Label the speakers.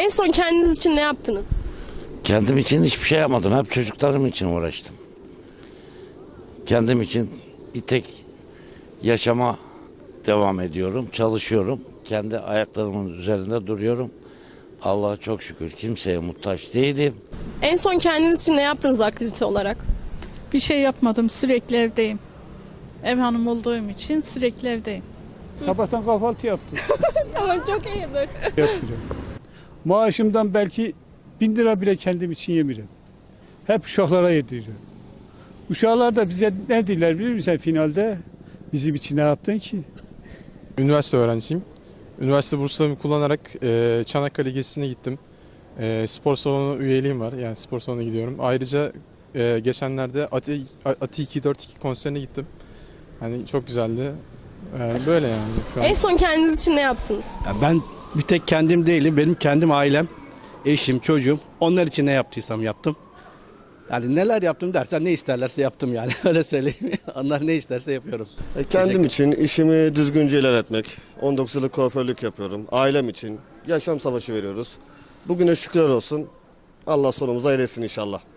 Speaker 1: En son kendiniz için ne yaptınız?
Speaker 2: Kendim için hiçbir şey yapmadım. Hep çocuklarım için uğraştım. Kendim için bir tek yaşama devam ediyorum. Çalışıyorum. Kendi ayaklarımın üzerinde duruyorum. Allah'a çok şükür kimseye muhtaç değilim.
Speaker 1: En son kendiniz için ne yaptınız aktivite olarak?
Speaker 3: Bir şey yapmadım, sürekli evdeyim. Ev hanım olduğum için sürekli evdeyim.
Speaker 4: Sabahtan kahvaltı yaptım.
Speaker 1: Tamam, çok iyidir.
Speaker 4: Yapacağım. Maaşımdan belki 1000 lira bile kendim için yemiyorum. Hep uşaklara yedireceğim. Uşaklar da bize ne dediler biliyor musun finalde? Bizim için ne yaptın ki?
Speaker 5: Üniversite öğrencisiyim. Üniversite burslarımı kullanarak Çanakkale gezisine gittim. Spor salonu üyeliğim var. Yani spor salonuna gidiyorum. Ayrıca geçenlerde Ati 242 konserine gittim. Hani çok güzeldi. Böyle yani şu an.
Speaker 1: En son kendiniz için ne yaptınız?
Speaker 6: Ya ben bir tek kendim değilim. Benim kendim ailem, eşim, çocuğum. Onlar için ne yaptıysam yaptım. Yani neler yaptım dersen ne isterlerse yaptım yani. Öyle söyleyeyim. Onlar ne isterse yapıyorum.
Speaker 7: Kendim için işimi düzgünce ilerletmek. 19 yıllık kuaförlük yapıyorum. Ailem için yaşam savaşı veriyoruz. Bugüne şükürler olsun. Allah sonumuzu hayretsin inşallah.